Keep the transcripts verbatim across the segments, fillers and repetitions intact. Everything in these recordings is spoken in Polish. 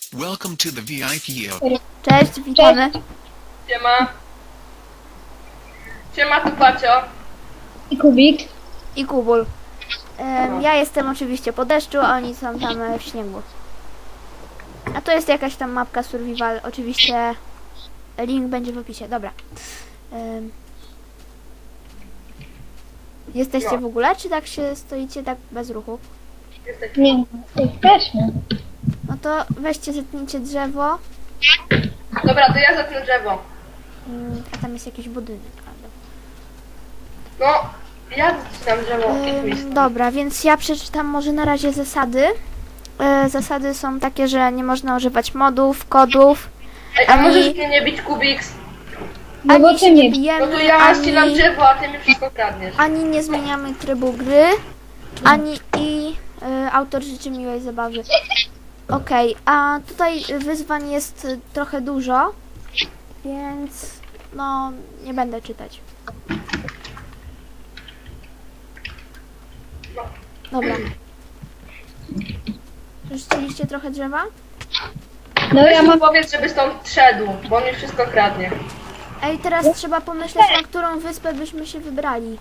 Welcome to the V I P. Cześć, witamy. Siema. Siema, tu Pacio. I Kubik. I Kubul. Um, ja jestem oczywiście po deszczu, a oni są tam e, w śniegu. A to jest jakaś tam mapka survival. Oczywiście link będzie w opisie. Dobra. Um, jesteście No. w ogóle, czy tak się stoicie tak bez ruchu? Jesteśmy. Nie, jesteśmy. No to weźcie, zetnijcie drzewo. Dobra, to ja zetnę drzewo. Um, a tam jest jakiś budynek. Ale... No, ja zaczynam drzewo. Ym, dobra, więc ja przeczytam może na razie zasady. E, zasady są takie, że nie można używać modów, kodów, Ej, a ani- możesz mnie nie bić, Kubiks? No bo ani ty się nie nie. bijemy, No to ja ani, ścinam drzewo, a ty mi wszystko kradniesz. ani nie zmieniamy trybu gry, ani i e, autor życzy miłej zabawy. Okej, a tutaj wyzwań jest e, trochę dużo, więc no nie będę czytać. Dobra. Już chcieliście trochę drzewa? No Weź ja mu mam... powiedz, żeby stąd szedł, bo on mi wszystko kradnie. Ej, teraz trzeba pomyśleć, na którą wyspę byśmy się wybrali.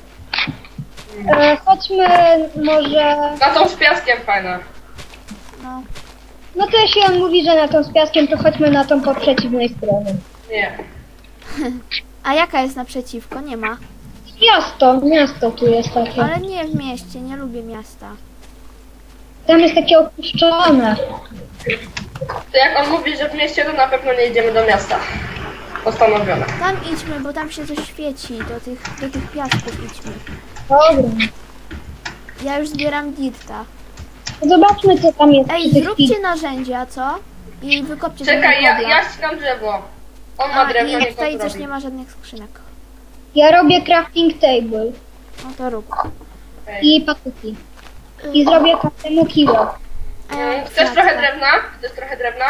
E, chodźmy może... Na tą z piaskiem fajna. No, No to jeśli on mówi, że na tą z piaskiem, to chodźmy na tą po przeciwnej stronie. Nie. a jaka jest naprzeciwko? Nie ma. Miasto, miasto tu jest takie. Ale nie w mieście, nie lubię miasta. Tam jest takie opuszczone. To jak on mówi, że w mieście, to na pewno nie idziemy do miasta. Postanowione. Tam idźmy, bo tam się coś świeci. Do tych, do tych piasków idźmy. Dobra. Ja już zbieram dirta. Zobaczmy, co tam jest Ej, przy tych zróbcie pi- narzędzia, co? I wykopcie Czekaj, sobie ja, kobla. ja ścinam drzewo. On ma A, drewno, i nie tutaj to też zrobi. nie ma żadnych skrzynek. Ja robię crafting table No to rób. Ej. i patyki. I zrobię każdemu kilo. Mm, E, Chcesz kwiatka. trochę drewna? Chcesz trochę drewna?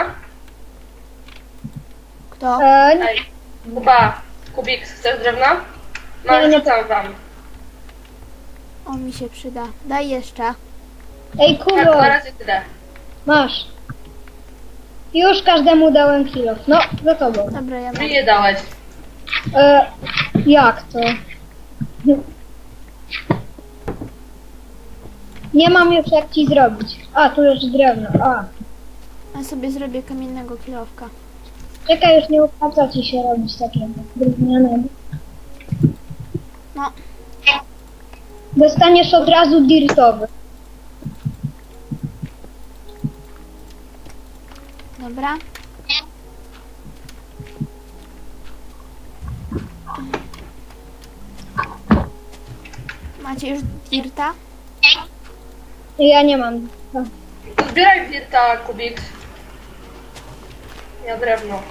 Kto? E, nie, Ej, Kuba, Kubiks, chcesz drewna? No, Nie, nie. rzucam wam. O, mi się przyda. Daj jeszcze. ej, Tak, Kubo, dwa razy tyle. masz. Już każdemu dałem kilo. No, za tobą. Dobra, ja mam. Mi nie dałeś. E, jak to? Nie mam już jak ci zrobić. A, tu już drewno. A, Ja sobie zrobię kamiennego kilowka. czekaj, już nie opłaca ci się robić takiego drewnianego. No, Dostaniesz od razu dirtowy. dobra. Macie już dirta? Ja nie mam. Zbieraj wirta, Kubiks. Ja drewno.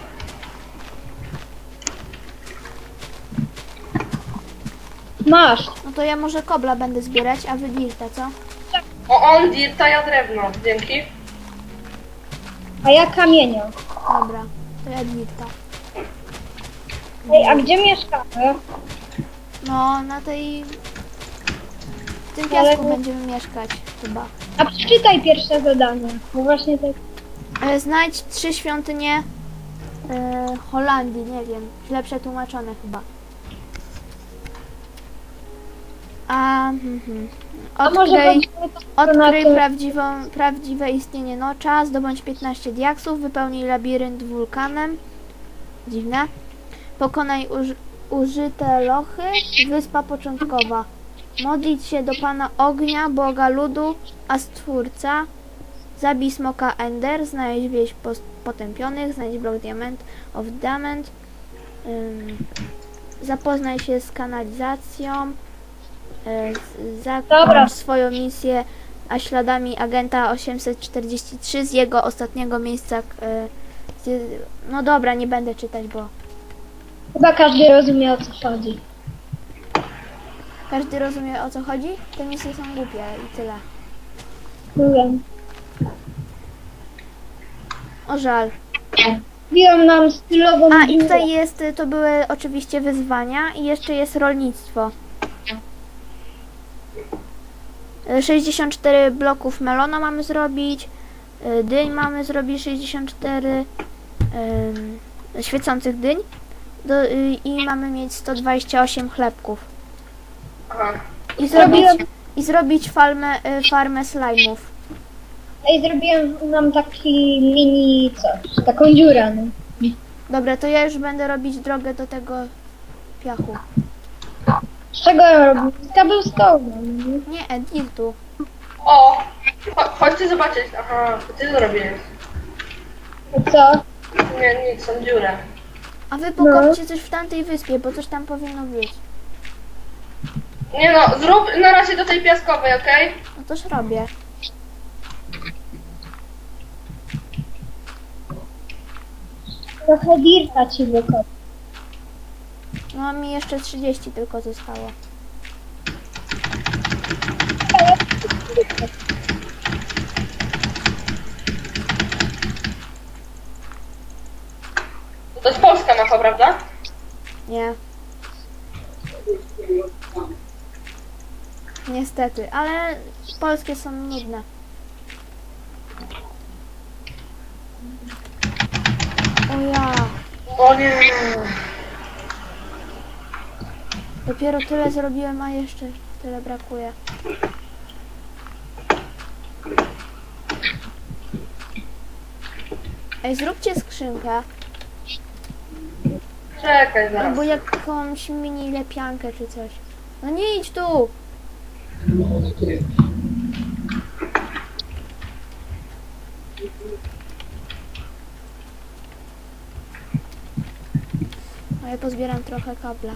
Masz. No to ja może kobla będę zbierać, a wy dirta, co? O, on dirta, ja drewno. Dzięki. A ja kamienia. Dobra, to ja dirta. Ej, a gdzie mieszkamy? No, na tej... W tym Ale- piasku będziemy mieszkać, chyba. A przeczytaj pierwsze zadanie. Bo właśnie tak. E, znajdź trzy świątynie e, Holandii, nie wiem, źle przetłumaczone chyba. A, mhm. A może Odkryj, chodźmy to na odkryj to. prawdziwą, prawdziwe istnienie nocza, zdobądź piętnaście diaksów, wypełnij labirynt wulkanem. Dziwne. Pokonaj uż, użyte lochy, wyspa początkowa. Modlić się do Pana Ognia, Boga Ludu, a Stwórca. Zabij smoka Ender, znajdź wieś pos- potępionych, znajdź blok diament of diamond. Ym, zapoznaj się z kanalizacją. Y, z- Dobra. zakończ swoją misję a śladami agenta osiemset czterdzieści trzy z jego ostatniego miejsca. Y, z, no dobra, nie będę czytać, bo Chyba każdy rozumie, o co chodzi. każdy rozumie, o co chodzi. Te misje są głupie i tyle. Mówię. O żal. Biją nam stylową A i dziurę. tutaj jest, to były oczywiście wyzwania i jeszcze jest rolnictwo. sześćdziesiąt cztery bloków melona mamy zrobić, Y, Dyń mamy zrobić sześćdziesiąt cztery y, świecących dyń do, y, i mamy mieć sto dwadzieścia osiem chlebków. Aha. I zrobić, Zrobiłem- i zrobić farmę, y, farmę slajmów. Ej, zrobiłem nam taki mini coś, taką dziurę, no. Dobra, to ja już będę robić drogę do tego piachu. Z czego ja robię? Z cobblestone, no. Nie, Edirtu. O! Cho- chodźcie zobaczyć. Aha, to ty zrobiłeś. A co? Nie, nic, są dziurę. A wy pokopcie coś w tamtej wyspie, bo coś tam powinno być. Nie no, zrób na razie do tej piaskowej, okej? No toż robię. Trochę dirta ci wykop. No mi jeszcze trzydzieści tylko zostało. To jest polska mapa, prawda? Nie. Niestety, ale polskie są nudne. O ja, O nie. dopiero tyle zrobiłem, a jeszcze tyle brakuje. Ej, zróbcie skrzynkę, Czekaj zaraz. albo jakąś mini lepiankę czy coś. No nie idź tu! A ja pozbieram trochę kabla.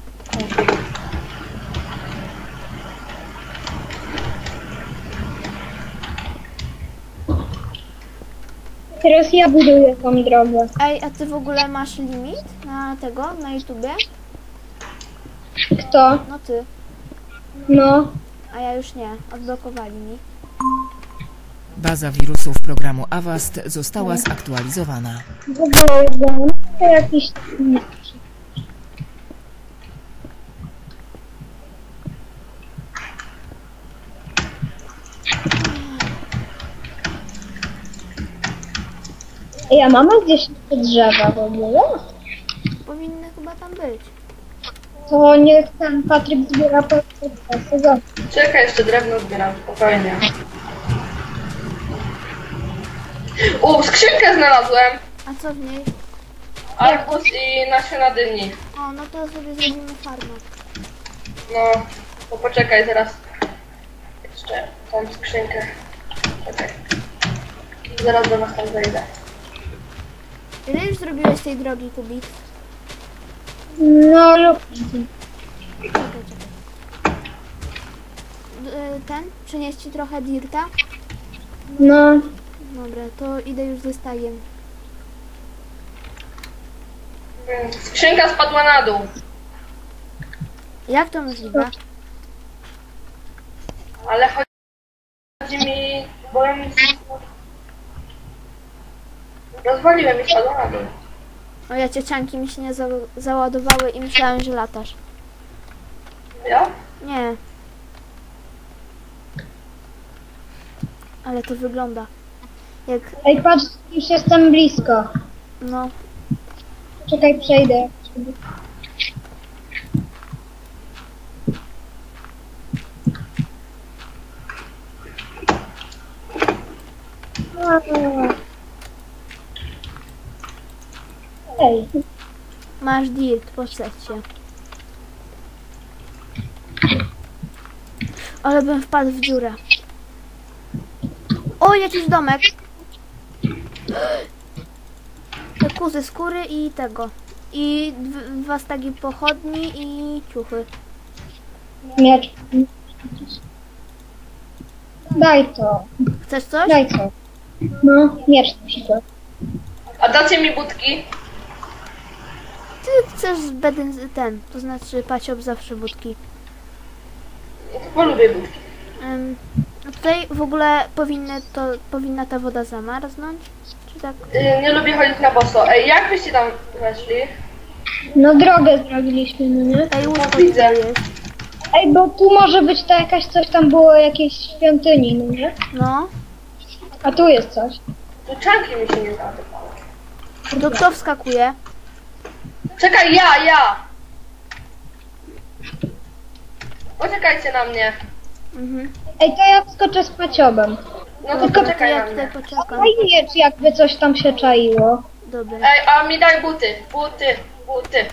Teraz ja buduję tą drogę. Ej, a ty w ogóle masz limit na tego, na YouTubie? Kto? No ty, No. a ja już nie, odblokowali mi. Baza wirusów programu Avast została zaktualizowana. W ogóle no, to jakiś... Ej, a mama gdzieś te drzewa w ogóle? Powinny chyba tam być. To niech ten Patryk zbiera po sezon. Czekaj, jeszcze drewno zbieram, spokojnie. U, skrzynkę znalazłem! A co w niej? Arbuz i nasiona dyni. O, no to sobie zrobimy farmę. No, to poczekaj, zaraz. Jeszcze tą skrzynkę. Czekaj. Zaraz do was tam zejdę. Ile już zrobiłeś tej drogi, Kubik? No lub... Czekaj, czekaj. D- y, Ten? Przynieść ci trochę dirta? No. Dobra, to idę już ze stajem. Skrzynka spadła na dół. Jak to możliwe? Ale chodzi mi... bo ja mi... Rozwaliłem i spadła na dół. O ja ciecianki mi się nie za załadowały i myślałem, że latasz. Ja? Nie. Ale to wygląda. Jak, Ej, patrz, już jestem blisko. no, Czekaj, przejdę. Ej, masz dirt, posadź się. Ale bym wpadł w dziurę. O, jakiś domek. Te kuzy skóry i tego. I dw- dwa stagi pochodni i ciuchy. miecz. Daj to, Chcesz coś? daj to. No, miecz na przykład. A dacie mi budki? Ty chcesz beden ten, to znaczy Paciob zawsze budki. Bo lubię budki. Ym, a tutaj w ogóle powinny to, powinna ta woda zamarznąć? Czy tak? Yy, nie lubię chodzić na boso. Ej, jak byście tam weszli? No drogę zrobiliśmy, no nie? Ej, łóżko widzę. tutaj jest. Ej, bo tu może być to jakaś coś tam było, jakieś świątyni, no nie? No. A tu jest coś. Tu czanki mi się nie załadowały. To kto wskakuje? Czekaj, ja, ja! Poczekajcie na mnie. Mhm. Ej, to ja skoczę z paciobem. No to Tylko To poczekaj ja na tutaj mnie. poczekam. Fajnie, czy jakby coś tam się czaiło. Dobra. Ej, a mi daj buty, buty, buty.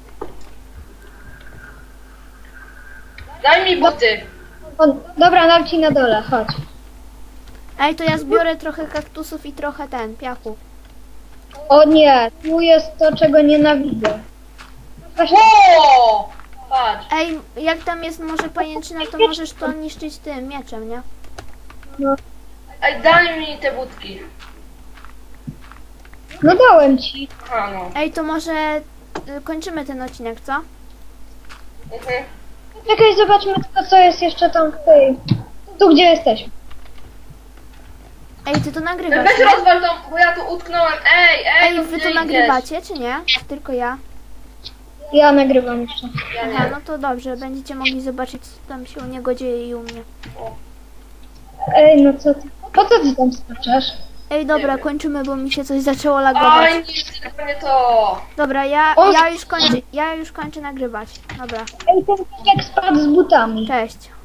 Daj mi buty. O, dobra, dam ci na dole, chodź. Ej, to ja zbiorę trochę kaktusów i trochę ten, piachu. O nie, tu jest to, czego nienawidzę. Właśnie, O! Patrz. Ej, jak tam jest może pajęczyna, to możesz to niszczyć tym mieczem, nie? no, Ej, daj mi te budki. no dałem ci. Aha, no. Ej, to może y, kończymy ten odcinek, co? Mhm. Czekaj, zobaczmy tylko, co jest jeszcze tam w tej... Tu, gdzie jesteśmy. Ej, ty to nagrywasz, Weź nie? rozwal tą, bo ja tu utknąłem. Ej, ej, Ej, no wy gdzie to idziesz? nagrywacie, czy nie? Czy tylko ja? Ja nagrywam jeszcze. Ja Aha, nie. no to dobrze, będziecie mogli zobaczyć, co tam się u niego dzieje i u mnie. Ej, no co ty? Po co ty tam skaczesz? Ej, dobra, kończymy, bo mi się coś zaczęło lagować. Oj, nie, tylko nie to. Dobra, ja, O! ja już kończę, ja już kończę nagrywać. Dobra, Ej, ten jak spadł z butami. cześć.